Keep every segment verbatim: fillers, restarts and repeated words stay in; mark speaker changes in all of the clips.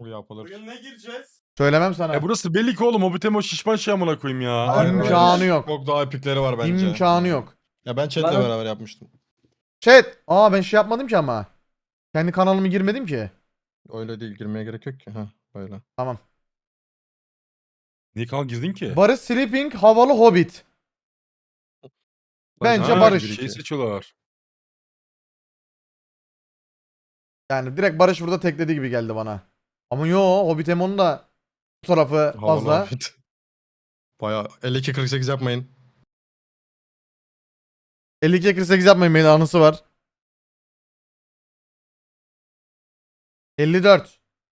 Speaker 1: Bu yapılır.
Speaker 2: Bugün ne gireceğiz?
Speaker 3: Söylemem sana.
Speaker 4: E burası belli ki oğlum. Hobbit'e o şişman şey amına koyayım ya.
Speaker 3: İmkanı yok.
Speaker 1: Çok daha epikleri var bence.
Speaker 3: İmkanı yok.
Speaker 1: Ya ben chatle
Speaker 5: Bana-
Speaker 1: beraber yapmıştım.
Speaker 3: Chat. Aa ben şey yapmadım ki ama. Kendi kanalımı girmedim ki.
Speaker 1: Öyle değil, girmeye gerek yok ki. Ha böyle.
Speaker 3: Tamam.
Speaker 4: Niye kanal girdin ki?
Speaker 3: Barış Sleeping havalı Hobbit. Bence
Speaker 4: Ha,
Speaker 3: Barış.
Speaker 4: Şey seçiyorlar.
Speaker 3: Yani direkt Barış burada tekledi gibi geldi bana. Ama yo Hobbit Emon'un da bu tarafı fazla.
Speaker 1: Havalı Hobbit. Baya elli iki kırk sekiz yapmayın.
Speaker 3: elli ikiye kırk sekiz yapmayın, benim anısı var. elli dört.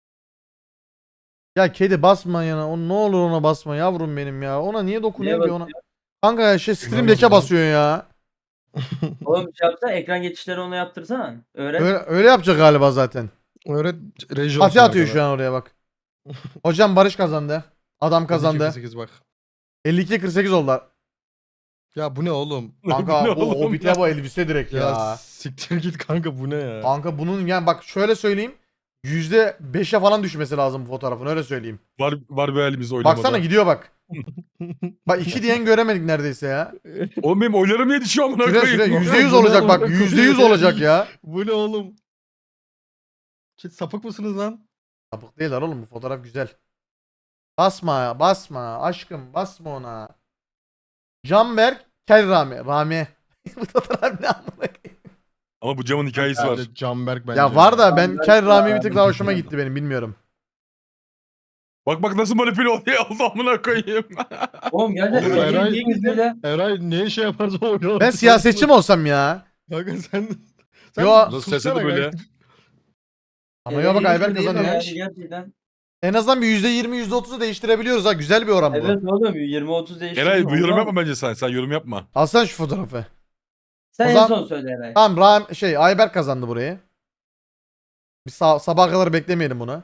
Speaker 3: Ya kedi basma yana. O ne olur ona basma yavrum benim ya. Ona niye dokunuyor
Speaker 5: Niye
Speaker 3: ki ona? Kanka ya şey Stream Deck'e
Speaker 1: basıyor?
Speaker 3: basıyor ya.
Speaker 5: Oğlum şey yapsana, ekran geçişleri ona yaptırsana. Öğren.
Speaker 3: Öyle, öyle yapacak galiba zaten.
Speaker 1: Öyle reji
Speaker 3: Fatih atıyor şu an oraya bak. Hocam Barış kazandı. Adam kazandı.
Speaker 1: sekiz bak.
Speaker 3: elli ikiye kırk sekiz oldu.
Speaker 1: Ya bu ne oğlum?
Speaker 3: Kanka
Speaker 4: Ne
Speaker 3: bu
Speaker 4: oğlum
Speaker 3: Hobbit'e
Speaker 4: ya?
Speaker 3: bu elbise direkt
Speaker 1: Ya,
Speaker 3: ya.
Speaker 1: siktir git kanka, bu ne ya?
Speaker 3: Kanka bunun yani bak şöyle söyleyeyim. yüzde beşe falan düşmesi lazım bu fotoğrafın, öyle söyleyeyim.
Speaker 4: Var var bir halimiz oylamada.
Speaker 3: Baksana gidiyor bak. Bak iki diyen göremedik neredeyse ya.
Speaker 4: Oğlum benim oylarım niye düşüyor amına
Speaker 3: Şuraya
Speaker 4: koyayım?
Speaker 3: şuraya yüzde yüz
Speaker 1: Bu ne
Speaker 3: olacak
Speaker 1: oğlum?
Speaker 3: bak, yüzde yüz olacak ya.
Speaker 1: Bu ne oğlum? Siz sapık mısınız lan?
Speaker 3: Sapık değiller oğlum, bu fotoğraf güzel. Basma ya, basma aşkım, basma ona. Canberk Kel Rami. Rami. Bu fotoğraf ne amına koyayım?
Speaker 4: Ama bu camın hikayesi var.
Speaker 1: Bence Canberk bence.
Speaker 3: Ya var da ben
Speaker 5: Canberk
Speaker 3: Kel Rami bir
Speaker 5: Rami.
Speaker 3: tık daha hoşuma gitti benim, bilmiyorum.
Speaker 4: Bak bak nasıl manipüle oluyor oldu amına koyayım.
Speaker 5: Oğlum gerçekten
Speaker 1: Oğlum,
Speaker 5: öyle
Speaker 1: Eray-
Speaker 5: niye girdi?
Speaker 1: Eray ne şey yaparsa o.
Speaker 3: Ben siyasetçi mi olsam ya?
Speaker 1: Kanka sen... sen
Speaker 3: Yo.
Speaker 4: Nasıl
Speaker 1: sussana
Speaker 4: sesi de böyle.
Speaker 1: kanka.
Speaker 3: Ama ya bak
Speaker 5: Eray
Speaker 3: Ayber
Speaker 5: girdi değil mi
Speaker 3: kazanıyor.
Speaker 5: yani gerçekten.
Speaker 3: En azından bir yüzde yirmi yüzde otuzu değiştirebiliyoruz ha, güzel bir oran bu.
Speaker 5: Evet oğlum yirmi otuz değişti.
Speaker 4: Eray bu yorum yapma bence sen. Sen yorum yapma.
Speaker 3: Alsana şu fotoğrafı.
Speaker 5: Sen
Speaker 3: O
Speaker 5: en
Speaker 3: zaman-
Speaker 5: son söyle Eray.
Speaker 3: Tamam Ram şey Ayberk kazandı burayı. Bir sa- sabaha kadar beklemeyelim bunu.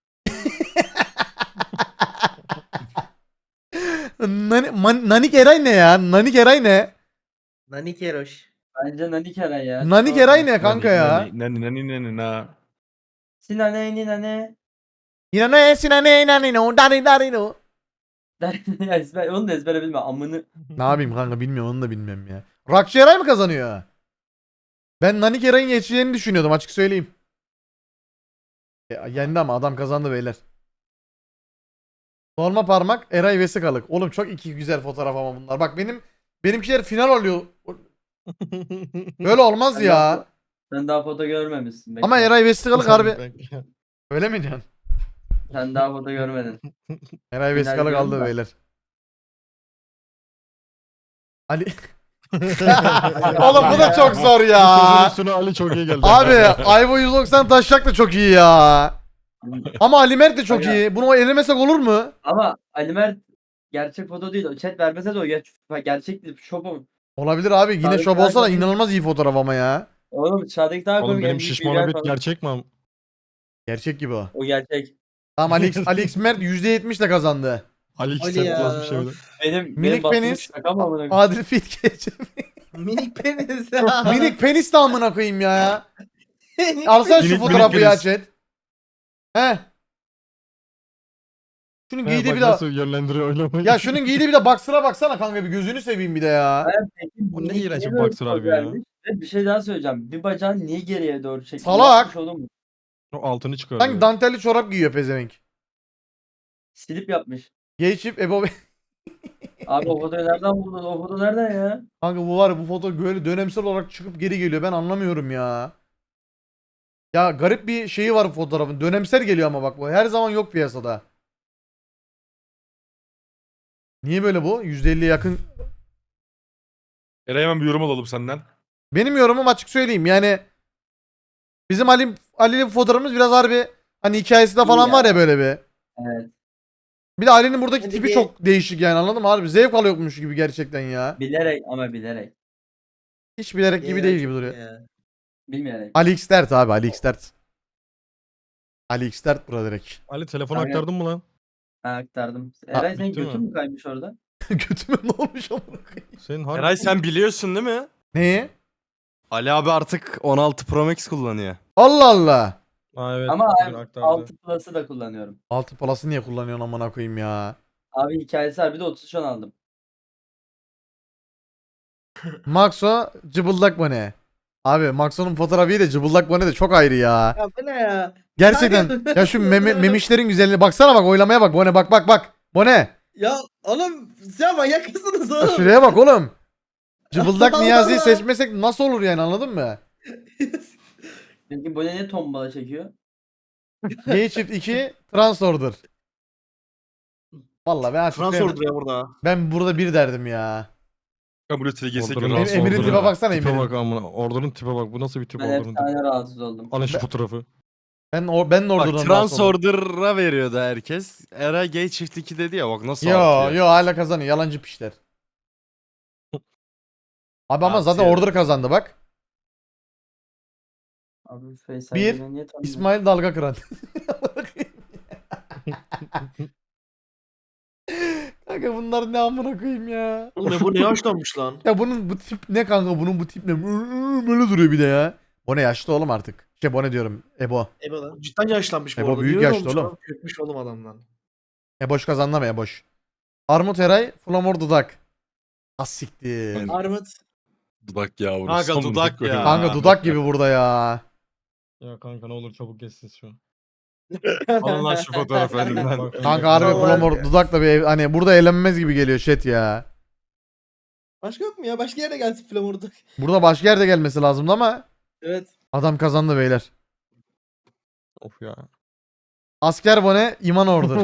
Speaker 3: Nani, man- Nanik Eray ne ya? Nanik Eray ne?
Speaker 6: Nanik Eroş.
Speaker 5: Bence Nanik Eray ya.
Speaker 3: Nanik Eray ne kanka ya?
Speaker 4: Nani nani nani na.
Speaker 5: Sinane ninane.
Speaker 3: Yine ne sinane nane no dari dari no.
Speaker 5: Ya ezber, onu da ezbere bilme amını.
Speaker 3: Ne yapayım kanka, bilmiyorum, onu da bilmiyorum ya. Rakçı Eray mı kazanıyor? Ben Nanik Eray'ın geçeceğini düşünüyordum, açık söyleyeyim. Ya, yendi ama adam kazandı beyler. Norma parmak Eray Vesikalık. Oğlum çok iki güzel fotoğraf ama bunlar. Bak benim benimkiler final oluyor. Böyle olmaz
Speaker 5: Sen
Speaker 3: ya.
Speaker 5: daha, sen daha foto görmemişsin. Bekle.
Speaker 3: Ama Eray Vesikalık harbi.
Speaker 1: Ben-
Speaker 3: Öyle mi diyorsun?
Speaker 5: Sen daha foto görmedin.
Speaker 3: Eray
Speaker 5: Final
Speaker 3: Vesikalık aldı
Speaker 5: diyorum da.
Speaker 3: beyler. Ali. Oğlum bu da çok zor
Speaker 1: Bu
Speaker 3: ya.
Speaker 1: sözün üstüne Ali çok iyi geldi.
Speaker 3: Abi Ayvo yüz doksan taşak da çok iyi ya. Ama Ali Mert de çok
Speaker 5: Aga.
Speaker 3: iyi. Bunu elemesek olur mu?
Speaker 5: Ama Ali Mert gerçek foto değil. O chat vermese de o ger gerçek değil. Şopum.
Speaker 3: Olabilir abi. Yine
Speaker 5: Tabii,
Speaker 3: şov olsa da
Speaker 5: tabii.
Speaker 3: inanılmaz iyi fotoğraf ama ya.
Speaker 5: Oğlum dışarıdaki daha
Speaker 1: Oğlum
Speaker 5: komik.
Speaker 1: benim
Speaker 5: en büyük
Speaker 1: şişman
Speaker 5: bilgiler
Speaker 1: Hobbit
Speaker 5: falan.
Speaker 1: gerçek mi? am-
Speaker 3: Gerçek gibi o.
Speaker 5: O gerçek.
Speaker 3: Tamam Ali X, Ali X Mert yüzde yetmiş ile kazandı.
Speaker 1: Ali
Speaker 6: Ali
Speaker 1: X'ten
Speaker 6: ya.
Speaker 1: yazmış öyle.
Speaker 5: Benim
Speaker 3: Minik
Speaker 5: benim bastığım
Speaker 3: penis.
Speaker 5: şaka mı amına koyayım?
Speaker 3: Adil Fit geçti.
Speaker 6: Minik penis.
Speaker 3: Minik penis de amına koyayım ya. Alsana şu
Speaker 4: Minik-
Speaker 3: fotoğrafı
Speaker 4: minik
Speaker 3: ya
Speaker 4: penis.
Speaker 3: chat. He. Şunun
Speaker 1: He,
Speaker 3: giydiği
Speaker 1: bak
Speaker 3: bir de
Speaker 1: nasıl yönlendiriyor oylamayı.
Speaker 3: ya şunun giydiği bir de boxer'a baksana kanka, bir gözünü seveyim bir de ya.
Speaker 5: Hayır, peki
Speaker 1: O ne
Speaker 5: minik
Speaker 1: iğrenç
Speaker 5: niye
Speaker 1: bir
Speaker 5: böyle
Speaker 1: boxer
Speaker 5: poz
Speaker 1: harbi ya.
Speaker 5: vermiş? Ve bir şey daha söyleyeceğim. Bir bacağın niye geriye doğru çekti?
Speaker 3: Salak.
Speaker 5: Yapmış oğlum.
Speaker 1: O altını çıkarıyor.
Speaker 3: Sanki dantelli çorap giyiyor pezevenk.
Speaker 5: Silip yapmış.
Speaker 3: Gay çift Ebo.
Speaker 5: Abi o fotoğrafı nereden buldun? O foto nereden ya?
Speaker 3: Kanka bu var ya, bu foto böyle dönemsel olarak çıkıp geri geliyor, ben anlamıyorum ya. Ya garip bir şeyi var bu fotoğrafın. Dönemsel geliyor ama bak bu. Her zaman yok piyasada. Niye böyle bu? yüzde elliye yakın.
Speaker 4: Eray hemen bir yorum alalım senden.
Speaker 3: Benim yorumum açık söyleyeyim. Yani bizim Ali Ali'nin fotoğrafımız biraz harbi hani hikayesi de falan
Speaker 5: İyi
Speaker 3: var
Speaker 5: ya.
Speaker 3: ya böyle bir.
Speaker 5: Evet.
Speaker 3: Bir de Ali'nin buradaki
Speaker 6: Hadi
Speaker 3: tipi
Speaker 6: bir-
Speaker 3: çok değişik yani, anladın mı? Harbi zevk alıyormuş gibi gerçekten ya.
Speaker 5: Bilerek ama bilerek.
Speaker 3: Hiç bilerek gibi değil gibi duruyor.
Speaker 5: Bilmeyerek.
Speaker 3: Ali X dert abi, Ali X dert. Ali X dert burada direkt.
Speaker 1: Ali telefonu
Speaker 5: Aynen.
Speaker 1: aktardın mı lan?
Speaker 5: Ha, aktardım. Eray senin
Speaker 1: bitti mi?
Speaker 5: götün mü kaymış orada?
Speaker 3: Götüme ne olmuş amına koyayım?
Speaker 1: Senin harbi...
Speaker 7: Eray sen biliyorsun değil mi?
Speaker 3: Neyi?
Speaker 7: Ali abi artık on altı Pro Max kullanıyor.
Speaker 3: Allah Allah.
Speaker 2: Aa, evet.
Speaker 5: Ama
Speaker 2: bugün
Speaker 5: abi
Speaker 2: aktardı.
Speaker 5: altı Plus'ı da kullanıyorum.
Speaker 3: Altı Plus'ı niye kullanıyorsun amına koyayım ya?
Speaker 5: Abi hikayesi var bir de otuz üç on aldım.
Speaker 3: Maxo cıbıldak bone. Abi Maxo'nun fotoğrafı iyi de cıbıldak bone de çok ayrı ya.
Speaker 6: Ya bu ne ya?
Speaker 3: Gerçekten
Speaker 6: Kanka-
Speaker 3: ya şu meme, memişlerin güzelliğine baksana bak, oylamaya bak bone, bak bak bak. Bone.
Speaker 6: Ya oğlum sen manyak mısınız
Speaker 3: Ya
Speaker 6: oğlum?
Speaker 3: şuraya bak oğlum. Cıbıldak
Speaker 6: Allah
Speaker 3: Niyazi'yi
Speaker 6: Allah.
Speaker 3: seçmesek nasıl olur yani, anladın mı?
Speaker 5: Peki bu ne ne tombala çekiyor?
Speaker 3: G çift iki Transorder. Vallahi ben artık
Speaker 7: Fransız
Speaker 3: sevmedim.
Speaker 7: ordu ya burada.
Speaker 3: Ben burada bir derdim ya.
Speaker 4: Ya buraya T G S
Speaker 2: Ordunun-
Speaker 3: Em- Emir'in
Speaker 2: ordunun
Speaker 3: tipe baksana,
Speaker 2: tipe
Speaker 3: Emir'in.
Speaker 2: bak amına. Ordunun tipe bak. Bu nasıl bir tip
Speaker 5: Ben
Speaker 2: ordunun tipi?
Speaker 5: efsane rahatsız oldum.
Speaker 2: Alın şu fotoğrafı.
Speaker 3: Ben o ben de
Speaker 8: Bak
Speaker 3: oradan rahatsız oldum.
Speaker 8: Transorder'a veriyordu herkes. Eray Gay çift iki dedi ya, bak nasıl
Speaker 3: Yo
Speaker 8: artıyor.
Speaker 3: yo hala kazanıyor, yalancı pişler. Abi ama zaten
Speaker 8: Artıyor.
Speaker 3: order kazandı bak.
Speaker 5: Abi Faysal
Speaker 3: Bir,
Speaker 5: beni niye tanımıyor?
Speaker 3: İsmail Dalga Kıran. Kanka bunlar ne amına koyayım ya.
Speaker 7: Oğlum ne bu ne yaşlanmış lan?
Speaker 3: Ya bunun bu tip ne kanka, bunun bu tip ne? Böyle duruyor bir de ya. Bu ne, yaşlı oğlum artık. Şey bu ne diyorum, Ebo.
Speaker 6: Ebo lan.
Speaker 7: Cidden yaşlanmış bu
Speaker 3: Ebo
Speaker 7: arada.
Speaker 3: büyük
Speaker 7: Niye öyle
Speaker 3: yaşlı
Speaker 7: olmuş
Speaker 3: oğlum.
Speaker 7: lan? Kökmüş oğlum adamdan.
Speaker 3: Eboş kazandı mı Eboş? Armut Eray, Flamor Dudak. Az siktir.
Speaker 6: Armut.
Speaker 4: Dudak yavrusu.
Speaker 8: Kanka
Speaker 4: Amına
Speaker 8: dudak
Speaker 4: koyayım.
Speaker 8: ya.
Speaker 3: Kanka dudak gibi burada ya.
Speaker 2: Ya kanka ne olur çabuk geçsin şu an.
Speaker 8: Alın lan şu fotoğrafı elimden.
Speaker 2: Bak,
Speaker 3: Kanka harbi
Speaker 6: Vallahi
Speaker 3: Flamor
Speaker 6: ya.
Speaker 3: Dudak da bir ev- hani burada eğlenmez gibi geliyor chat ya.
Speaker 6: Başka yok mu ya? Başka yere gelsin Flamur'da.
Speaker 3: Burada başka yerde gelmesi lazımdı ama
Speaker 6: Evet.
Speaker 3: adam kazandı beyler.
Speaker 2: Of ya.
Speaker 3: Asker Bone, İman Ordur.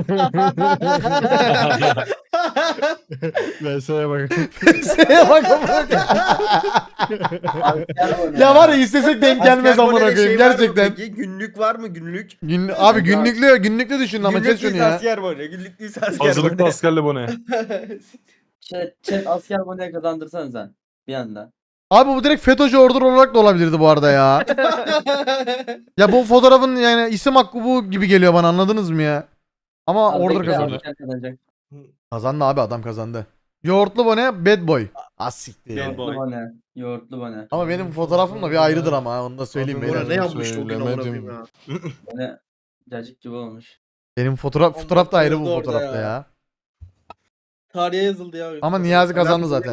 Speaker 2: V S'ye bak.
Speaker 3: Şeye bak amına koyayım.
Speaker 5: Asker bu ne
Speaker 3: Ya var ya istesek denk gelmez amına koyayım
Speaker 6: şey
Speaker 3: gerçekten.
Speaker 6: Günlük var mı günlük?
Speaker 3: Gün, abi günlüklü günlüklü düşün ama chat şunu ya.
Speaker 6: asker bu ne? Günlük değilse asker
Speaker 4: Hazırlıklı askerle bu ne?
Speaker 5: Chat, chat asker bu ne kazandırsan sen. Bir anda.
Speaker 3: Abi bu direkt FETÖ'cü ordur olarak da olabilirdi bu arada ya. Ya bu fotoğrafın yani isim hakkı bu gibi geliyor bana, anladınız mı ya? Ama
Speaker 5: Abi
Speaker 3: order
Speaker 5: bekle,
Speaker 3: kazandı.
Speaker 5: asker kazanacak.
Speaker 3: Kazandı abi, adam kazandı. Yoğurtlu Bone, Bad Boy. Az siktir.
Speaker 5: Yoğurtlu bu ne? Yoğurtlu bu ne?
Speaker 3: Ama benim fotoğrafım da bir ayrıdır ama ha, onu da söyleyeyim
Speaker 2: Abi
Speaker 3: beyler.
Speaker 2: bu
Speaker 7: Ne yapmıştı o gün amına
Speaker 2: Söylemedim.
Speaker 7: koyayım ya.
Speaker 5: Bu ne? Cacık gibi olmuş.
Speaker 3: Benim fotoğraf fotoğraf da ayrı bu
Speaker 6: Orada orada
Speaker 3: fotoğrafta
Speaker 6: ya.
Speaker 3: ya.
Speaker 6: Tarihe yazıldı ya.
Speaker 3: Ama Niyazi kazandı zaten.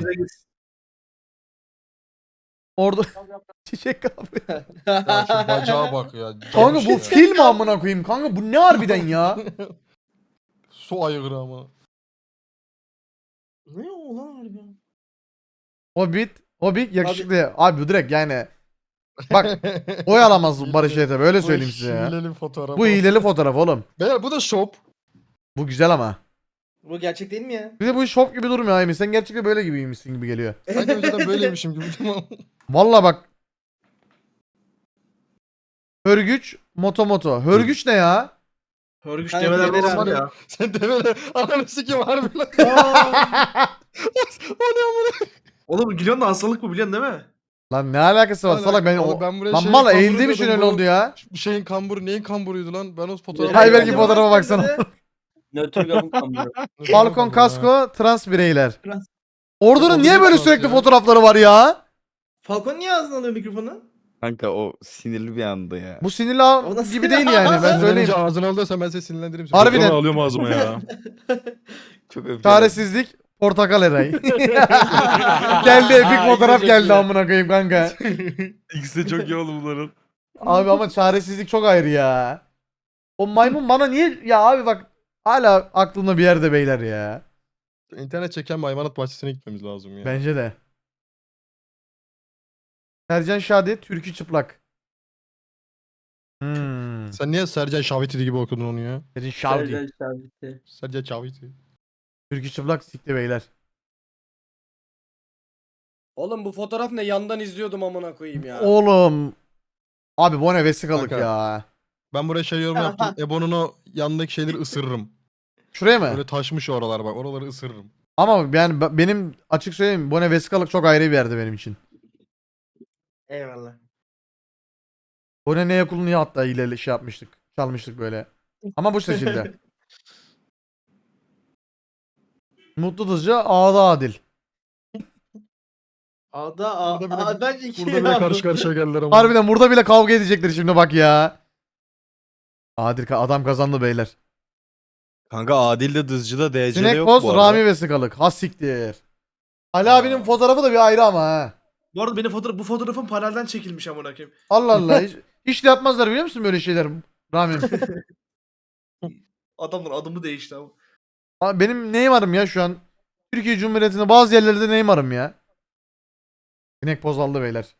Speaker 3: Orada çiçek abi.
Speaker 2: Ya şu bacağa bak ya.
Speaker 3: Kanka bu
Speaker 2: Ya.
Speaker 3: fil mi amına koyayım? Kanka bu ne harbiden ya?
Speaker 2: Su aygırı ama.
Speaker 6: Ne o lan harbi?
Speaker 3: Hobbit, Hobbit yakışıklı. Abi bu direkt yani. Bak oy alamaz Barış Yeter, öyle söyleyeyim size ya.
Speaker 2: Hileli fotoğraf.
Speaker 3: Bu hileli fotoğraf oğlum.
Speaker 2: Beyler bu da shop.
Speaker 3: Bu güzel ama.
Speaker 6: Bu gerçek değil mi ya?
Speaker 3: Bir de bu şop gibi durmuyor Aymin. Sen gerçekten böyle gibiymişsin gibi geliyor.
Speaker 2: Sanki önceden böyleymişim gibi. Tamam.
Speaker 3: Vallahi bak. Hörgüç, moto moto. Hörgüç ne ya?
Speaker 7: Hörgüç
Speaker 6: Kanka,
Speaker 7: develer
Speaker 6: develer
Speaker 7: olsun
Speaker 6: abi.
Speaker 7: ya.
Speaker 2: Sen demene ananı sikim harbi lan. O ne amına?
Speaker 7: Oğlum gülüyorsun da hastalık bu biliyorsun değil mi?
Speaker 3: Lan ne alakası var salak, ben
Speaker 2: Oğlum
Speaker 3: o...
Speaker 2: ben buraya
Speaker 3: Lan
Speaker 2: şeyin
Speaker 3: mal
Speaker 2: kamburu
Speaker 3: eğildiğim için
Speaker 2: diyordum,
Speaker 3: öyle
Speaker 2: bu-
Speaker 3: oldu ya.
Speaker 2: Bu şeyin kamburu neyin kamburuydu lan? Ben o fotoğrafı...
Speaker 3: Hay belki
Speaker 6: Develer
Speaker 3: fotoğrafa
Speaker 6: olsun
Speaker 3: baksana.
Speaker 6: dedi.
Speaker 5: Nötr gabuk kamburu.
Speaker 3: Balkon kasko, trans bireyler.
Speaker 6: Trans-
Speaker 3: Ordunun
Speaker 2: Oğlum,
Speaker 3: niye
Speaker 2: ne
Speaker 3: böyle
Speaker 2: trans
Speaker 3: sürekli
Speaker 2: ya?
Speaker 3: fotoğrafları var ya?
Speaker 6: Falcon niye ağzına alıyor mikrofonu?
Speaker 8: Kanka o sinirli bir anda ya.
Speaker 3: Bu sinirli
Speaker 6: O nasıl
Speaker 3: gibi
Speaker 6: ya?
Speaker 3: değil yani, ben söyleyeyim.
Speaker 2: Sinirlenince ağzını alıyorsan ben seni sinirlendiririm. seni.
Speaker 3: Harbiden.
Speaker 4: Mikrofonu alıyorum ağzıma ya.
Speaker 8: Çok öfkeli.
Speaker 3: Çaresizlik, portakal eray. Geldi epik fotoğraf
Speaker 6: çok
Speaker 3: geldi
Speaker 6: iyi.
Speaker 3: amına koyayım kanka.
Speaker 4: İkisi de çok iyi oldu bunların.
Speaker 3: Abi ama çaresizlik çok ayrı ya. O maymun bana niye ya abi bak, hala aklımda bir yerde beyler ya.
Speaker 2: İnternet çeken bir hayvanat bahçesine gitmemiz lazım ya.
Speaker 3: Bence de. Sercan Şadi, Türkü çıplak. Hmm.
Speaker 2: Sen niye Sercan Şaviti gibi okudun onu ya?
Speaker 3: Sercan Şadi.
Speaker 5: Sercan Şaviti.
Speaker 2: Sercan Şaviti.
Speaker 3: Türkü çıplak sikti beyler.
Speaker 9: Oğlum bu fotoğraf ne? Yandan izliyordum amına koyayım ya.
Speaker 3: Oğlum. Abi bu ne vesikalık
Speaker 2: Kanka.
Speaker 3: ya.
Speaker 2: Ben buraya şey yorum yaptım. Ebo'nun o yanındaki şeyleri ısırırım.
Speaker 3: Şuraya mı?
Speaker 2: Böyle taşmış oralar bak. Oraları ısırırım.
Speaker 3: Ama yani be- benim açık söyleyeyim, bu ne vesikalık çok ayrı bir yerde benim için.
Speaker 6: Eyvallah.
Speaker 3: Bu ne neye kullanıyor hatta ileri şey yapmıştık. Çalmıştık böyle. Ama bu şekilde. Mutlu Dızcı, Ağda Adil.
Speaker 6: Ağda a,
Speaker 2: Burada bile-
Speaker 6: a, bence iki
Speaker 2: Burada bile karşı karşıya geldiler ama.
Speaker 3: Harbiden burada bile kavga edecekler şimdi bak ya. Adil ka- adam kazandı beyler.
Speaker 8: Kanka Adil de Dızcı'da D C'de
Speaker 3: Sinek
Speaker 8: yok
Speaker 3: Poz,
Speaker 8: bu arada.
Speaker 3: Rami Vesikalık. Ha siktir. Ali abinin fotoğrafı da bir ayrı ama ha.
Speaker 7: Bu arada benim fotoğraf, bu fotoğrafım panelden çekilmiş amına koyayım.
Speaker 3: Allah Allah. Hiç, hiç de yapmazlar biliyor musun böyle şeyler Rami?
Speaker 7: Adamlar adımı değişti ama.
Speaker 3: Abi benim Neymar'ım ya şu an. Türkiye Cumhuriyeti'nde bazı yerlerde Neymar'ım ya. Sinek Poz aldı beyler.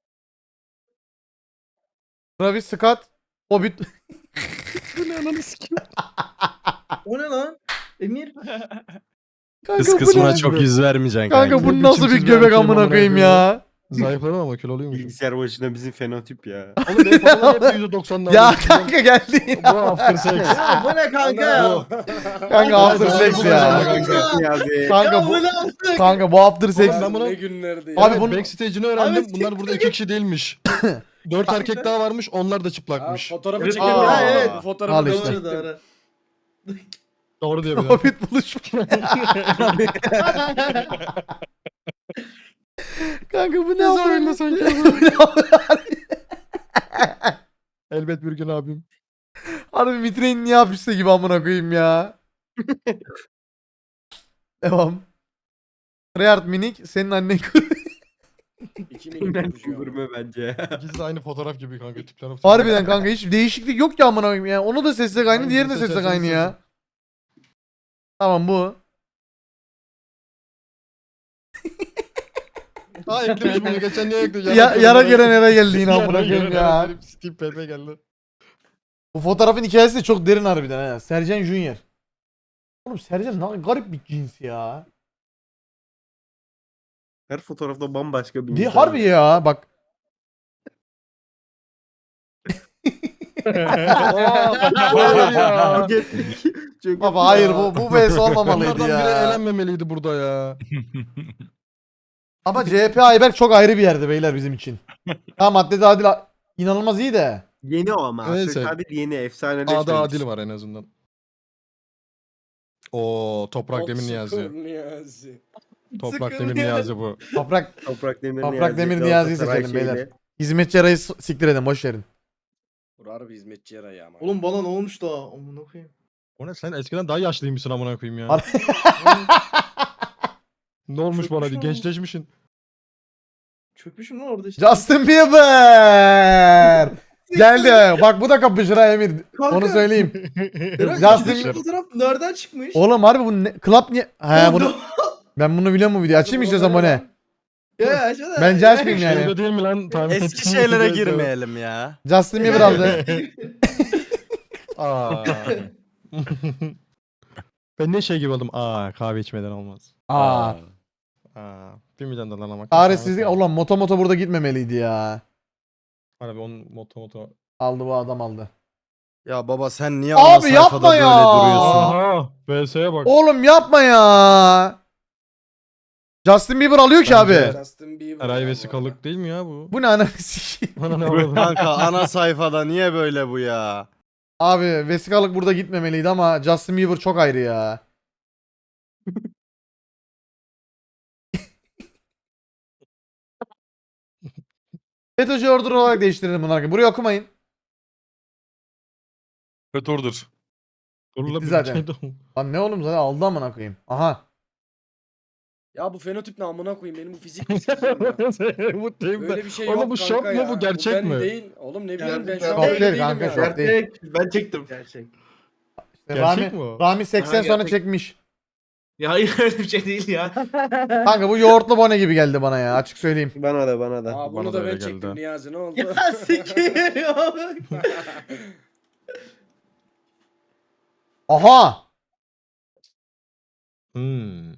Speaker 3: Travis Scott. Hobbit.
Speaker 6: O ne lan? Emir.
Speaker 3: Kanka
Speaker 8: Kız
Speaker 3: bu
Speaker 8: kısmına
Speaker 3: ne?
Speaker 8: çok yüz vermeyeceksin
Speaker 3: Kanka
Speaker 8: kanka.
Speaker 3: bu
Speaker 2: Ne
Speaker 3: nasıl bir
Speaker 2: biçimsiz
Speaker 3: göbek
Speaker 2: bir erkeğim
Speaker 3: amına
Speaker 2: amına
Speaker 3: koyayım
Speaker 2: koyayım
Speaker 3: ya.
Speaker 2: Zayıfladım ama kilo oluyormuş.
Speaker 8: Bilgisayar başına bizim fenotip ya.
Speaker 2: Oğlum benim fotoğrafım hep yüzde doksanlar.
Speaker 3: Ya kanka geldi.
Speaker 2: Bu after sex.
Speaker 6: Ya bu ne kanka ya?
Speaker 3: Kanka after sex ya. Kanka bu
Speaker 6: bu ne yaptık?
Speaker 3: kanka bu after sex.
Speaker 2: Oğlum ben bunu-
Speaker 9: Ne günlerdi ya.
Speaker 3: Abi
Speaker 2: Abi
Speaker 3: bunu-
Speaker 2: backstage'ini öğrendim.
Speaker 6: Abi
Speaker 2: Bunlar burada iki kişi değilmiş. Dört erkek daha varmış. Onlar da
Speaker 9: Ha,
Speaker 2: çıplakmış.
Speaker 9: fotoğrafı
Speaker 7: Evet,
Speaker 9: çekemiyorum.
Speaker 3: aa,
Speaker 9: Evet.
Speaker 6: evet.
Speaker 9: Bu fotoğrafı
Speaker 3: Al
Speaker 9: ben
Speaker 3: işte.
Speaker 9: çektim.
Speaker 6: Doğru doğru.
Speaker 2: Doğru diyor bir de.
Speaker 3: Hobbit buluşma. Kanka bu ne
Speaker 2: zorunda
Speaker 3: yapıyor?
Speaker 2: Elbet bir gün abim.
Speaker 3: Harbi vitrin niye hapiste gibi amına koyayım ya. Devam. Reyard Minik senin annen
Speaker 9: İki minik ya.
Speaker 8: Gurme bence.
Speaker 2: İkisi de aynı fotoğraf gibi kanka. Tipler
Speaker 3: Harbiden kanka hiç değişiklik yok ki amına koyayım ya. Onu da seçsek aynı,
Speaker 2: Hangisini
Speaker 3: diğerini de seçsek
Speaker 2: seçersen
Speaker 3: aynı ya.
Speaker 2: seçin.
Speaker 3: Tamam bu.
Speaker 2: Ha eklemiş bunu. Geçen niye ekledi?
Speaker 3: Ya, yara gelen yere geldi yine amına koyayım ya.
Speaker 2: Steve Pepe geldi.
Speaker 3: Bu fotoğrafın hikayesi de çok derin harbiden ha. Sercan Junior. Oğlum Sercan ne garip bir cins ya.
Speaker 8: Her fotoğrafta bambaşka bir
Speaker 3: Di
Speaker 8: insan.
Speaker 3: harbi ya bak.
Speaker 2: Hayır ya.
Speaker 8: Çok
Speaker 3: Baba hayır bu bu V S olmamalıydı
Speaker 2: Bunlardan biri
Speaker 3: ya.
Speaker 2: elenmemeliydi burada ya.
Speaker 3: Ama C H P Ayberk çok ayrı bir yerde beyler bizim için. Ha Maddede Adil a- inanılmaz iyi de.
Speaker 8: Yeni o ama.
Speaker 2: Neyse.
Speaker 8: Adil yeni efsaneleşmemiş.
Speaker 2: Adı Adil var en azından. O Toprak Demir
Speaker 9: Çok
Speaker 2: Niyazi.
Speaker 9: sıkır Niyazi.
Speaker 2: Toprak
Speaker 6: Sıkır
Speaker 2: Demir
Speaker 6: Niyazi.
Speaker 2: Niyazi bu.
Speaker 3: Toprak
Speaker 8: Toprak Demir
Speaker 3: Toprak
Speaker 8: Niyazi.
Speaker 3: Demir Niyazi'yi
Speaker 8: Galatasaray
Speaker 3: seçelim beyler.
Speaker 8: şeyli.
Speaker 3: hizmetçi arayı s- siktir edin boş verin.
Speaker 9: Urar bir hizmetçi yarayı ama.
Speaker 6: Oğlum bana ne olmuş da? Amına koyayım.
Speaker 2: O ne sen eskiden daha yaşlıymışsın amına koyayım ya.
Speaker 3: Har-
Speaker 2: Ne olmuş bana diye
Speaker 6: Çökmüş mü?
Speaker 2: gençleşmişsin.
Speaker 6: Çökmüşüm lan orada işte.
Speaker 3: Justin Bieber. Geldi. Bak bu da kapışır ha Emir.
Speaker 6: Kanka.
Speaker 3: Onu söyleyeyim.
Speaker 6: Berat,
Speaker 3: Justin-
Speaker 6: Justin fotoğraf nereden çıkmış?
Speaker 3: Oğlum harbi bu ne? Club niye? He
Speaker 6: Oğlum,
Speaker 3: bunu ben bunu biliyorum bu videoyu. Açayım istiyorsan bu ne?
Speaker 6: Ya açsana.
Speaker 3: Bence açmayayım yani.
Speaker 2: Şeyde değil mi lan? Tahmin
Speaker 8: Eski
Speaker 2: ettiğim
Speaker 8: şeylere
Speaker 2: gibi.
Speaker 8: girmeyelim ya.
Speaker 3: Justin Bieber aldı.
Speaker 2: Aa. Ben ne şey gibi oldum. Aa kahve içmeden olmaz.
Speaker 3: Aa.
Speaker 2: Aa. Bir milyon dolar ama.
Speaker 3: Çaresizlik. Ulan moto moto burada gitmemeliydi ya.
Speaker 2: Harbi onun moto moto.
Speaker 3: Aldı bu adam aldı.
Speaker 8: Ya baba sen niye
Speaker 3: Abi
Speaker 8: ana sayfada
Speaker 3: yapma
Speaker 8: böyle
Speaker 3: ya.
Speaker 8: duruyorsun?
Speaker 2: Aha. V S'ye bak.
Speaker 3: Oğlum yapma ya. Justin Bieber alıyor ki
Speaker 2: Bence-
Speaker 3: abi.
Speaker 9: Justin Bieber.
Speaker 2: Eray
Speaker 9: ama.
Speaker 2: vesikalık değil mi ya bu?
Speaker 3: Bu ne ananı sikeyim.
Speaker 2: Bana ne oldu?
Speaker 8: Kanka ana sayfada niye böyle bu ya?
Speaker 3: Abi vesikalık burada gitmemeliydi ama Justin Bieber çok ayrı ya. FETÖ'cü order olarak değiştirelim bunları. Burayı okumayın.
Speaker 4: Fötordur.
Speaker 2: Dur
Speaker 3: Gitti
Speaker 2: lan, bir
Speaker 3: zaten.
Speaker 2: şey de-
Speaker 3: Lan ne oğlum zaten aldı amına koyayım. Aha.
Speaker 9: Ya bu fenotip ne amına koyayım benim bu fizik mi sikeceğim ya.
Speaker 2: Bu değil mi?
Speaker 9: Öyle bir şey
Speaker 2: Oğlum
Speaker 9: yok
Speaker 2: bu
Speaker 9: kanka
Speaker 2: şok mu,
Speaker 9: ya.
Speaker 2: bu gerçek
Speaker 9: ben
Speaker 2: mi?
Speaker 9: değil. Oğlum ne bileyim ben şu an
Speaker 6: Şok
Speaker 9: böyle
Speaker 3: değil
Speaker 9: değilim
Speaker 3: kanka,
Speaker 9: ya.
Speaker 3: şok değil.
Speaker 7: Gerçek. Ben çektim. Gerçek.
Speaker 2: Gerçek
Speaker 3: Rami,
Speaker 2: mi o?
Speaker 3: Rami seksen
Speaker 7: Aha,
Speaker 3: sonra
Speaker 7: gerçek.
Speaker 3: çekmiş.
Speaker 7: Ya hayır öyle bir şey değil ya.
Speaker 3: Kanka bu yoğurtlu bone gibi geldi bana ya açık söyleyeyim.
Speaker 8: Bana da bana da.
Speaker 9: Aa bunu
Speaker 2: Bana
Speaker 9: da
Speaker 2: da
Speaker 9: ben
Speaker 2: öyle
Speaker 9: çektim
Speaker 2: geldi.
Speaker 9: Niyazi ne oldu?
Speaker 6: Ya sikeyim ya.
Speaker 3: Aha.
Speaker 2: Hmm.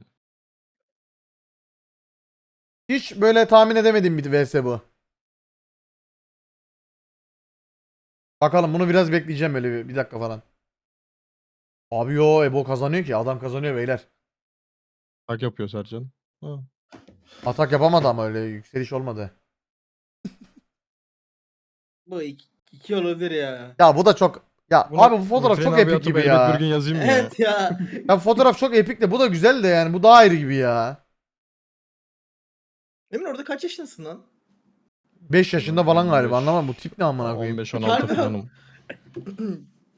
Speaker 3: Hiç böyle tahmin edemediğim bir V S bu. Bakalım bunu biraz bekleyeceğim böyle bir, bir dakika falan. Abi yo Ebo kazanıyor ki adam kazanıyor beyler.
Speaker 2: Tak yapıyor Sercan. Ha.
Speaker 3: Atak yapamadı ama öyle yükseliş olmadı.
Speaker 6: Bu iki, iki olabilir ya.
Speaker 3: Ya bu da çok ya
Speaker 2: Bunu
Speaker 3: abi bu fotoğraf
Speaker 2: Hüseyin
Speaker 3: çok
Speaker 2: abi
Speaker 3: epik
Speaker 2: atıp
Speaker 3: gibi
Speaker 2: elbet
Speaker 3: ya.
Speaker 2: Bir gün yazayım mı ya?
Speaker 6: Evet ya.
Speaker 3: Ya fotoğraf çok epik de bu da güzel de yani bu daha ayrı gibi ya.
Speaker 6: Emin orada kaç yaşındasın lan?
Speaker 3: beş yaşında falan galiba
Speaker 2: on beş.
Speaker 3: anlamam bu tip ne amına koyayım.
Speaker 2: on beş on altı
Speaker 6: Harbi.
Speaker 2: falanım.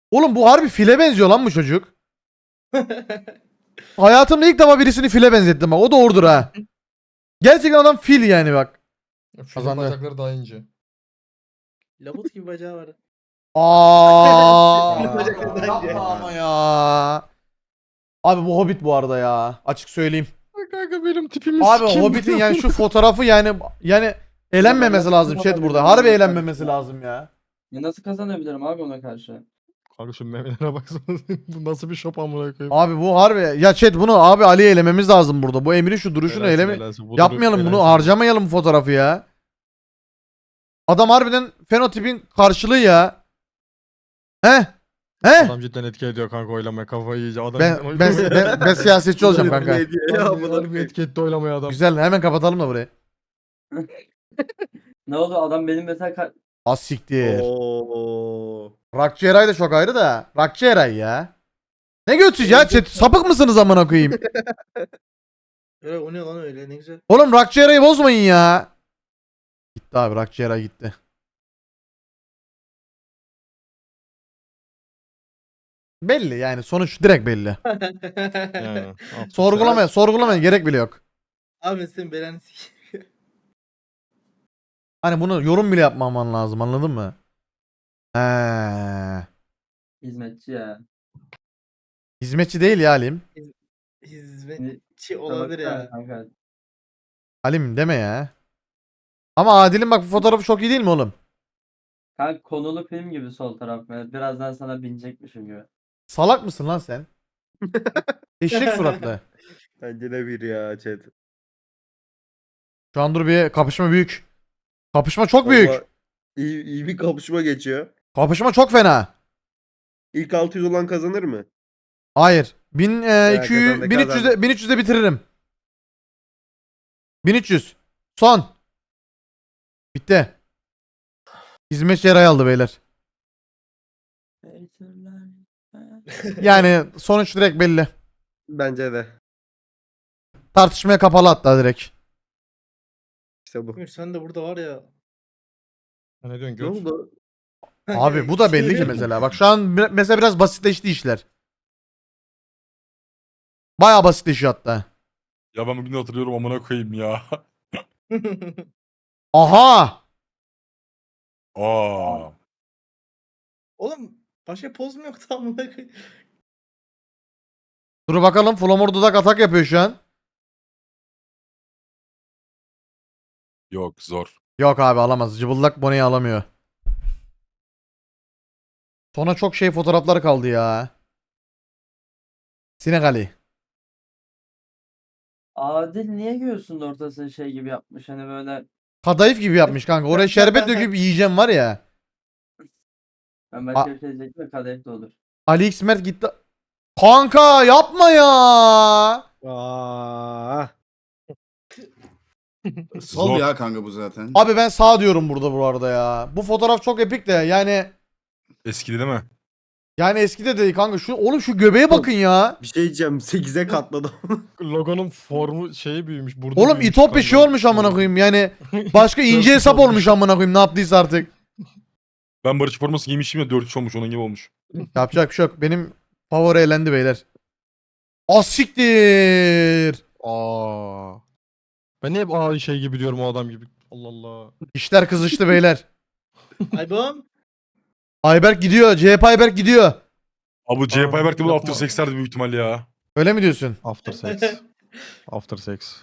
Speaker 3: Oğlum bu harbi file benziyor lan bu çocuk. Hayatımda ilk defa birisini file benzettim bak. O doğrudur ha. Gerçekten adam fil yani bak.
Speaker 2: Şunun
Speaker 3: Kazandı.
Speaker 2: bacakları daha ince.
Speaker 6: Labut gibi bacağı var.
Speaker 3: Aa.
Speaker 6: Bacaklarından
Speaker 3: Yapma
Speaker 6: ya.
Speaker 3: ama ya. Abi bu Hobbit bu arada ya. Açık söyleyeyim.
Speaker 2: Ay kanka benim tipimi
Speaker 3: Abi
Speaker 2: sikeyim.
Speaker 3: Hobbit'in yani şu fotoğrafı yani yani eğlenmemesi lazım chat burada. Harbi eğlenmemesi lazım ya.
Speaker 5: Ya nasıl kazanabilirim abi ona karşı?
Speaker 2: Kanka şu memelere baksana. Bu nasıl bir şop amına koyayım.
Speaker 3: Abi bu harbi ya chat bunu abi Ali'ye elememiz lazım burada. Bu Emir'in şu duruşunu
Speaker 2: Elensin,
Speaker 3: eleme
Speaker 2: elensin. Bu
Speaker 3: yapmayalım
Speaker 2: durum
Speaker 3: bunu
Speaker 2: elensin.
Speaker 3: harcamayalım bu fotoğrafı ya. Adam harbiden fenotipin karşılığı ya. He? He?
Speaker 2: Adam cidden etki ediyor kanka oylamaya kafayı yiyeceğim. Adam
Speaker 3: Ben ben, ben, ben siyasetçi olacağım kanka.
Speaker 2: Harbi, harbi etki etti oylamaya adam.
Speaker 3: Güzel hemen kapatalım da burayı.
Speaker 5: Ne oldu adam benim mesela ka-
Speaker 3: Az siktir.
Speaker 9: Oo.
Speaker 3: Rakçı Eray da çok ayrı da. Rakçı Eray ya. Ne götüz ya chat? Sapık mısınız amına koyayım?
Speaker 6: Öyle o ne lan öyle ne güzel.
Speaker 3: Oğlum Rakçı Eray'ı bozmayın ya. Gitti abi Rakçı Eray gitti. Belli yani sonuç direkt belli.
Speaker 2: Yani, after
Speaker 3: Sorgulamaya sorgulamaya gerek bile yok.
Speaker 6: Abi sen belanı sikeyim.
Speaker 3: Hani bunu yorum bile yapmaman lazım anladın mı? He.
Speaker 5: hizmetçi ya.
Speaker 3: Hizmetçi değil ya Halim.
Speaker 6: Hizmetçi olabilir ya.
Speaker 5: Kanka.
Speaker 3: Halim deme ya. Ama Adil'in bak bu fotoğrafı çok iyi değil mi oğlum?
Speaker 5: Kanka konulu film gibi sol taraf. Yani birazdan sana binecekmişim gibi.
Speaker 3: Salak mısın lan sen? Eşek suratlı.
Speaker 9: Bence de bir ya chat.
Speaker 3: Şu an dur bir kapışma büyük. Kapışma çok büyük.
Speaker 9: Vallahi iyi, iyi bir kapışma geçiyor.
Speaker 3: Kapışma çok fena.
Speaker 9: İlk altı yüz olan kazanır mı?
Speaker 3: Hayır. bin, e, iki yüz,
Speaker 9: kazandı,
Speaker 3: bin üç yüzde,
Speaker 9: kazandı.
Speaker 3: bin üç yüzde bitiririm. bin üç yüz. Son. Bitti. Hizmetçi Eray aldı beyler. Yani sonuç direkt belli.
Speaker 9: Bence de.
Speaker 3: Tartışmaya kapalı hatta direkt.
Speaker 9: İşte bu.
Speaker 6: Emir sen de burada var ya.
Speaker 2: Ne diyorsun
Speaker 9: Ne
Speaker 2: göt?
Speaker 9: oldu?
Speaker 3: Abi bu da belli ki mesela. Bak şu an bir- mesela biraz basitleşti işler. Bayağı basitleşiyor hatta.
Speaker 4: Ya ben bugün de hatırlıyorum amına koyayım ya.
Speaker 3: Aha!
Speaker 4: Aa.
Speaker 6: Oğlum başka poz mu yoktu amına koyayım?
Speaker 3: Dur bakalım Flamor dudak atak yapıyor şu an.
Speaker 4: Yok zor.
Speaker 3: Yok abi alamaz. Cıbıldak Bone'yi alamıyor. Sonra çok şey fotoğraflar kaldı ya. Sinek Ali.
Speaker 5: Adil niye göğsünün ortasını şey gibi yapmış hani böyle
Speaker 3: Kadayıf gibi yapmış kanka. Oraya şerbet döküp yiyeceğim var ya.
Speaker 5: ben başka bir şey diyecektim de kadayıf da olur.
Speaker 3: Ali X Mert gitti. Kanka yapma ya.
Speaker 9: Aa.
Speaker 10: Sol
Speaker 4: Zor.
Speaker 10: ya kanka bu zaten.
Speaker 3: Abi ben sağ diyorum burada bu arada ya. Bu fotoğraf çok epik de yani
Speaker 4: Eskidi değil mi?
Speaker 3: yani eskide de kanka şu oğlum şu göbeğe bakın ya.
Speaker 9: Bir şey diyeceğim. sekize katladım.
Speaker 2: Logonun formu şeyi büyümüş. Burada
Speaker 3: Oğlum
Speaker 2: büyümüş
Speaker 3: İtopya
Speaker 2: kanka.
Speaker 3: şey olmuş amına koyayım yani başka ince hesap olmuş amına koyayım ne yaptıysa artık.
Speaker 4: Ben Barış forması giymişim ya dört üç olmuş onun gibi olmuş.
Speaker 3: Yapacak bir şey yok. Benim favori elendi beyler. Asiktir.
Speaker 2: Aa. Ben niye hep aa şey gibi diyorum o adam gibi. Allah Allah.
Speaker 3: İşler kızıştı beyler.
Speaker 6: Aybom.
Speaker 3: Ayberk gidiyor. C H P Ayberk gidiyor.
Speaker 4: Abi C H P Ayberk de bu
Speaker 2: yapma.
Speaker 4: After Sex'lerdi büyük ihtimal ya.
Speaker 3: Öyle mi diyorsun?
Speaker 2: After sex. After sex.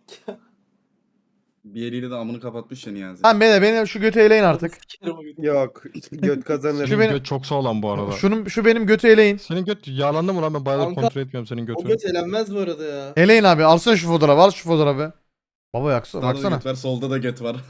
Speaker 10: Bir eliyle de amını kapatmış ya Niyazi.
Speaker 3: Tamam beyler beni şu götü eleyin artık.
Speaker 9: Yok. Göt kazanır.
Speaker 3: Şu
Speaker 2: Senin
Speaker 3: benim-
Speaker 2: göt çok sağlam bu arada.
Speaker 3: Şunun şu benim götü eleyin.
Speaker 2: Senin göt yağlandı mı lan ben bayağıdır
Speaker 6: Kanka,
Speaker 2: kontrol etmiyorum senin
Speaker 6: O
Speaker 2: götünü.
Speaker 6: göt elenmez bu arada ya.
Speaker 3: Eleyin abi. Alsana şu fotoğrafı. Al şu fotoğrafı. Baba yaksana.
Speaker 10: Sağda da
Speaker 3: Baksana.
Speaker 10: göt var, solda da göt var.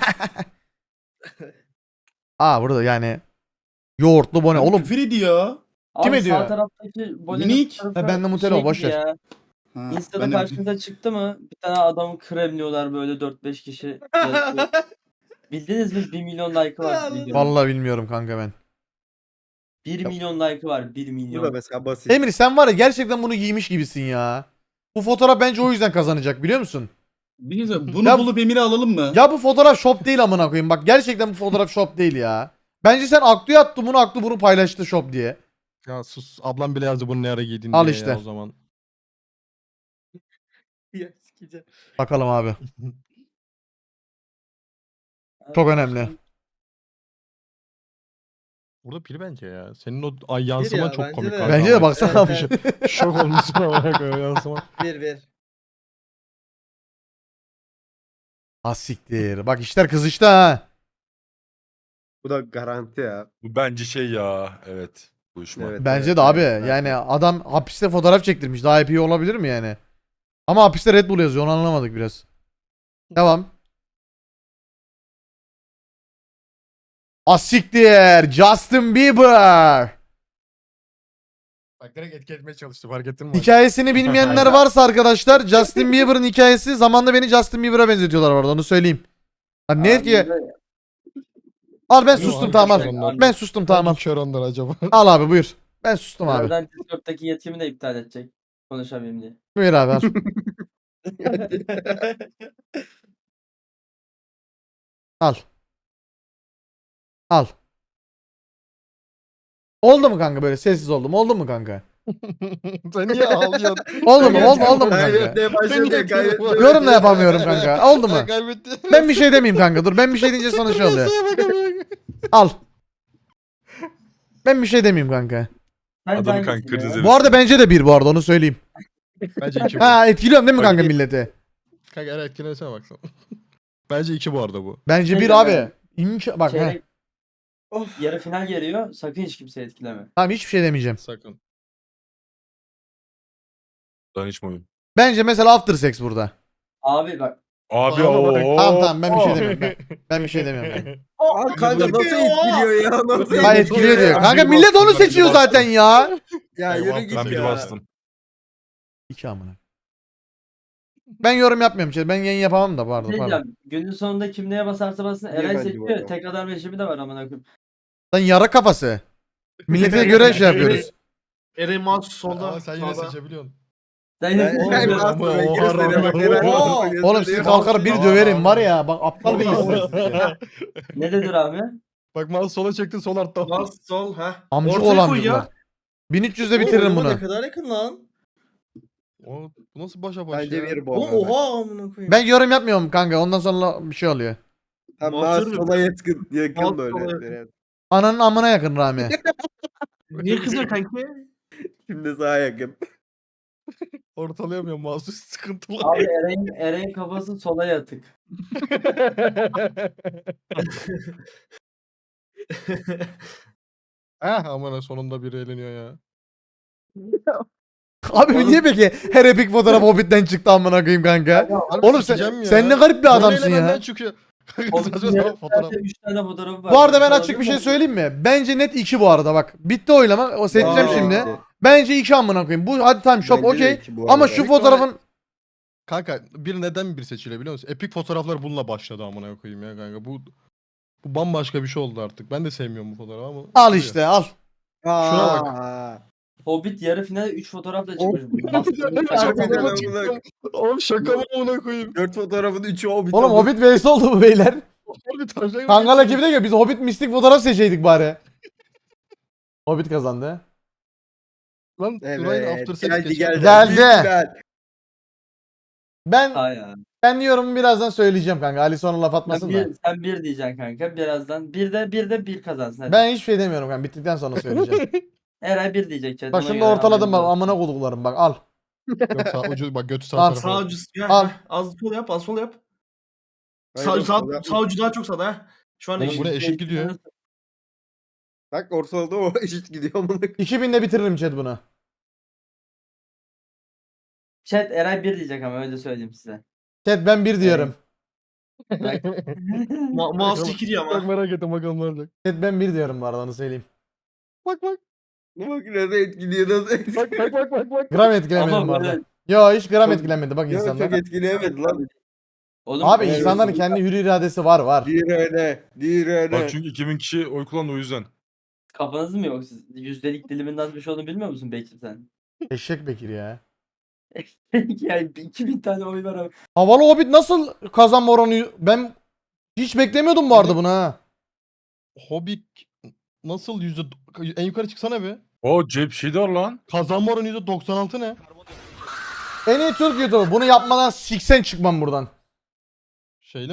Speaker 3: Aa burada yani. Yoğurtlu bone. Oğlum
Speaker 10: Küfür ediyor.
Speaker 5: Abi
Speaker 3: ediyor?
Speaker 5: sağ taraftaki bolenin
Speaker 10: Minik.
Speaker 5: fotoğrafı
Speaker 3: Ha, bende Nutella,
Speaker 5: şey
Speaker 3: boş
Speaker 5: gibi
Speaker 3: ver.
Speaker 5: ya.
Speaker 10: Ha,
Speaker 5: Insta'da
Speaker 10: ben de-
Speaker 5: karşınıza çıktı mı? Bir tane adamı kremliyorlar böyle dört beş kişi. yazıyor. Bildiniz mi? bir milyon like'ı var videonun.
Speaker 3: vallahi bilmiyorum kanka ben.
Speaker 5: bir milyon like'ı var. bir
Speaker 9: Bu da
Speaker 5: milyon.
Speaker 9: mesela basit.
Speaker 3: Emir sen var ya gerçekten bunu giymiş gibisin ya. Bu fotoğraf bence o yüzden kazanacak biliyor musun?
Speaker 10: Bir şey söyleyeyim, bunu
Speaker 3: Ya-
Speaker 10: bulup Emir'i alalım mı?
Speaker 3: Ya bu fotoğraf shop değil amına koyayım. Bak gerçekten bu fotoğraf shop değil ya. Bence sen Aktu'ya attın bunu, Aktu bunu paylaştı shop diye.
Speaker 2: Ya sus. Ablam bile yazdı bunu ne ara giydin
Speaker 3: Al
Speaker 2: diye
Speaker 3: işte.
Speaker 2: ya o zaman.
Speaker 6: Ya sikeceğim.
Speaker 3: Bakalım abi. Çok önemli.
Speaker 2: Burada pil bence ya. Senin o ay yansıma
Speaker 6: ya,
Speaker 2: çok
Speaker 6: bence
Speaker 2: komik
Speaker 6: de.
Speaker 2: kanka
Speaker 3: Bence de
Speaker 2: ama.
Speaker 3: baksana abi.
Speaker 6: Evet,
Speaker 2: Şok olmuşsun ama böyle yansıma.
Speaker 6: Bir bir.
Speaker 3: Ha siktir. Bak işler kızıştı ha.
Speaker 8: Bu da garanti ya.
Speaker 4: Bu bence şey ya. Evet. Uyuşma.
Speaker 8: Evet.
Speaker 3: Bence de abi. Yani adam hapiste fotoğraf çektirmiş. Daha iyi olabilir mi yani? Ama hapiste Red Bull yazıyor. Onu anlamadık biraz. Devam. Asiktir. Justin Bieber.
Speaker 2: Bak direkt etki etmeye çalıştı fark ettin mi?
Speaker 3: Hikayesini bilmeyenler varsa arkadaşlar, Justin Bieber'ın hikayesi, zamanında beni Justin Bieber'a benzetiyorlar orada, onu söyleyeyim. Lan ne etki? Al ben
Speaker 2: Yok,
Speaker 3: sustum
Speaker 2: abi,
Speaker 3: tamam
Speaker 2: kör
Speaker 3: al.
Speaker 2: onlar.
Speaker 3: Ben sustum tamam al.
Speaker 2: Hangi kör onlar acaba?
Speaker 3: Al abi buyur. Ben sustum abi.
Speaker 5: Birazdan Discord'daki yetkimi de iptal edecek. Konuşamayayım diye.
Speaker 3: Buyur abi al. Al. Al. Oldu mu kanka böyle sessiz oldum? Oldu mu kanka?
Speaker 2: Sen niye ağlıyorsun?
Speaker 3: Oldu mu? Oldu, oldu mu kanka?
Speaker 8: Kaybetmeye başladı kaybetmeye.
Speaker 3: Yorum da yapamıyorum kanka. Oldu mu?
Speaker 2: Ben kaybettim.
Speaker 3: Ben bir şey demeyeyim kanka. Dur ben bir şey deyince sana şey oluyor. Al. Ben bir şey demeyeyim kanka.
Speaker 5: Bence
Speaker 4: Adamı
Speaker 5: hangisi
Speaker 4: kanka
Speaker 5: ya?
Speaker 4: kırdınız.
Speaker 3: Bu arada bence de bir bu arada onu söyleyeyim.
Speaker 2: Bence iki bu.
Speaker 3: Ha etkiliyorum değil mi
Speaker 4: Bak-
Speaker 3: kanka milleti?
Speaker 2: Kanka eğer etkilenirse baksana. Bence iki bu arada bu.
Speaker 3: Bence
Speaker 5: Şey
Speaker 3: bir
Speaker 5: de
Speaker 3: abi.
Speaker 5: ben-
Speaker 3: İmka bak he.
Speaker 5: Çeyrek,
Speaker 6: Of.
Speaker 5: yarı final geliyor. Sakın hiç kimse etkileme.
Speaker 3: Tamam hiçbir şey demeyeceğim.
Speaker 2: Sakın.
Speaker 4: Danışma oyun.
Speaker 3: Bence mesela after sex burada.
Speaker 5: Abi bak.
Speaker 4: Abi
Speaker 2: Ama bak-
Speaker 4: o.
Speaker 3: Tamam tamam ben bir şey demiyorum. Ben, ben bir şey demiyorum. kanka.
Speaker 8: Aa, kanka nasıl etkiliyor ya? Nasıl
Speaker 3: Ha etkiliyor diyor. Kanka millet onu seçiyor zaten ya.
Speaker 8: Ya
Speaker 2: Eyvah,
Speaker 8: yürü
Speaker 4: Ben
Speaker 8: git
Speaker 4: bir
Speaker 8: ya.
Speaker 4: bastım.
Speaker 3: İki amına. Ben yorum yapmıyorum. Şey. Ben yayın yapamam da
Speaker 5: Ne
Speaker 3: pardon pardon.
Speaker 5: diyeceğim? Günün sonunda kim neye basarsa bassın
Speaker 8: Niye
Speaker 5: Eray
Speaker 8: bence bu
Speaker 5: seçiyor.
Speaker 8: adam?
Speaker 5: Tek adam rejimi de var amına koyayım.
Speaker 3: Lan yara kafası. Millete göre şey yapıyoruz.
Speaker 7: Eren mouse solda.
Speaker 2: Ama sen yine
Speaker 7: sağda.
Speaker 2: seçebiliyorsun.
Speaker 5: Sen
Speaker 8: Ben,
Speaker 5: yine
Speaker 8: ben
Speaker 5: seçiyorsun.
Speaker 8: bastım. Ben
Speaker 2: Oha,
Speaker 8: göstereyim bak.
Speaker 2: oha,
Speaker 8: Eren
Speaker 2: oha.
Speaker 8: bastım,
Speaker 3: Oğlum siz
Speaker 8: göstereyim.
Speaker 3: kalkar bir
Speaker 2: Tamam,
Speaker 3: döverim
Speaker 2: tamam.
Speaker 3: var ya. Bak aptal bir insansınız ya.
Speaker 5: Ne dedi Rami?
Speaker 2: Bak mouse sola çektin sol altta.
Speaker 7: Mouse sol ha.
Speaker 3: Amcık
Speaker 7: Ortaya
Speaker 3: olan
Speaker 7: koy ya.
Speaker 3: çocuklar. bin üç yüzde bitiririm
Speaker 6: Oğlum,
Speaker 3: bunu.
Speaker 6: Ne kadar yakın lan.
Speaker 2: O, bu nasıl başa baş
Speaker 8: Bence
Speaker 2: ya?
Speaker 8: bir bu.
Speaker 6: Oğlum
Speaker 8: arada.
Speaker 6: oha amına koyayım.
Speaker 3: Ben yorum yapmıyorum kanka. Ondan sonra bir şey oluyor.
Speaker 8: Tam
Speaker 7: Mouse
Speaker 8: daha
Speaker 7: yürü.
Speaker 8: sola yakın, yakın
Speaker 7: Mouse
Speaker 8: böyle.
Speaker 7: sola yakın.
Speaker 8: Eren.
Speaker 3: Ananın amına yakın Rami.
Speaker 7: Niye kızıyor kanki?
Speaker 8: Şimdi sağa yakın.
Speaker 2: Ortalayamıyorum mouse'u sıkıntılı.
Speaker 5: Abi Eray'ın Eray'ın kafası sola yatık.
Speaker 2: Ah aman sonunda biri eğleniyor ya.
Speaker 3: Abi niye peki her epik fotoğraf Hobbit'ten çıktı amına koyayım kanka?
Speaker 2: Harbi
Speaker 3: Oğlum sen,
Speaker 2: sikeceğim ya.
Speaker 3: sen ne garip bir
Speaker 2: Böyle
Speaker 3: adamsın
Speaker 2: elemenden
Speaker 3: ya.
Speaker 2: çıkıyor.
Speaker 5: O
Speaker 2: Saçma
Speaker 5: bizim
Speaker 2: sapan fotoğraf.
Speaker 5: üç tane fotoğrafı var.
Speaker 3: Bu arada ben
Speaker 5: Olabilir
Speaker 3: açık bir şey
Speaker 5: mi?
Speaker 3: söyleyeyim mi? Bence net iki bu arada bak. Bitti oylama. O seçeceğim
Speaker 8: Aa,
Speaker 3: şimdi.
Speaker 8: iki.
Speaker 3: Bence iki amına koyayım. Bu hadi tamam shop
Speaker 8: Bence de
Speaker 3: okey.
Speaker 8: iki bu
Speaker 3: Ama
Speaker 8: arada.
Speaker 3: şu fotoğrafın
Speaker 2: Kanka bir neden bir seçiliyor biliyor musun? Epic fotoğraflar bununla başladı amına koyayım ya kanka. Bu bu bambaşka bir şey oldu artık. Ben de sevmiyorum bu fotoğrafı ama.
Speaker 3: al işte al.
Speaker 2: Şuna
Speaker 8: bak.
Speaker 5: Hobbit yarı finale üç fotoğrafla çıkmış.
Speaker 8: Harbiden
Speaker 2: Çıktı.
Speaker 8: amına-
Speaker 2: Oğlum şaka mı amına koyayım?
Speaker 8: Dört fotoğrafın üçü Hobbit.
Speaker 3: Oğlum
Speaker 8: oldu.
Speaker 3: Hobbit vs oldu bu beyler.
Speaker 2: Harbi tarzı-
Speaker 3: Kangal ekibi de ki biz Hobbit mistik fotoğraf seçeydik bari. Hobbit kazandı.
Speaker 2: Lan Duray'ın
Speaker 8: Evet.
Speaker 2: after sex
Speaker 8: Geldi
Speaker 2: geçiyor.
Speaker 8: geldi.
Speaker 3: Geldi.
Speaker 8: Büyük final.
Speaker 3: Ben
Speaker 5: Ha ya.
Speaker 3: ben yorumu birazdan söyleyeceğim kanka. Ali sonra laf
Speaker 5: Sen
Speaker 3: atmasın da.
Speaker 5: bir, sen bir diyeceksin kanka. Birazdan bir de bir de bir kazansın. Hadi.
Speaker 3: Ben hiçbir şey demiyorum kanka. Bittikten sonra söyleyeceğim.
Speaker 5: Eray bir diyecek. chat,
Speaker 3: Bak
Speaker 5: ona
Speaker 3: şunu da
Speaker 5: göre
Speaker 3: ortaladım bak
Speaker 5: haberiniz olsun.
Speaker 3: amına koduklarım bak al.
Speaker 2: Yok sağ ucu bak götü sağ
Speaker 3: Al,
Speaker 2: tarafa.
Speaker 7: Sağ ucu. Ya,
Speaker 3: Al.
Speaker 7: heh, az sol yap, az sol yap.
Speaker 8: Hayır,
Speaker 7: Sağ, sağ,
Speaker 8: sol yapma.
Speaker 7: sağ ucu daha çok sağda ha. Şu an
Speaker 2: Oğlum
Speaker 7: eşit.
Speaker 2: bu ne eşit gidiyor.
Speaker 8: Bak ortalarda o eşit gidiyor amına.
Speaker 3: iki binde bitiririm chat bunu.
Speaker 5: Chat Eray bir diyecek ama öyle söyleyeyim size.
Speaker 3: Chat ben bir diyorum.
Speaker 7: Ma mouse çekiliyor
Speaker 2: Bak
Speaker 7: ama.
Speaker 2: merak ettim bakalım ne olacak.
Speaker 3: Chat ben bir diyorum bu arada onu söyleyeyim.
Speaker 2: Bak bak.
Speaker 8: Bak nasıl etkiliyor nasıl
Speaker 2: Bak
Speaker 8: etkiliyor.
Speaker 2: bak bak bak bak.
Speaker 3: Gram etkilemedim bu
Speaker 5: Ama
Speaker 3: arada.
Speaker 5: böyle
Speaker 3: Yo hiç gram
Speaker 8: Çok-
Speaker 3: etkilenmedi bak
Speaker 8: Ya çok
Speaker 3: insanlar.
Speaker 8: etkileyemedi lan.
Speaker 5: Oğlum,
Speaker 3: Abi
Speaker 5: evet,
Speaker 3: insanların kendi hür iradesi var var.
Speaker 8: Dir öyle. Dir öyle.
Speaker 4: Bak çünkü iki bin kişi oy kullandı o yüzden.
Speaker 5: kafanız mı yok? Siz yüzdelik dilimin nasıl bir şey olduğunu bilmiyor musun Bekir sen?
Speaker 3: Eşek Bekir ya.
Speaker 5: yani iki bin tane oy var ama.
Speaker 3: Havalı Hobbit nasıl kazanma oranı? Ben hiç beklemiyordum bu arada bunu ha.
Speaker 2: Hobbit Nasıl yüzde en yukarı çıksana bir.
Speaker 4: O cep şeydi var lan.
Speaker 2: Kazanma oranı yüzde doksan altı ne?
Speaker 3: En iyi Türk YouTuber. Bunu yapmadan siksen çıkmam buradan.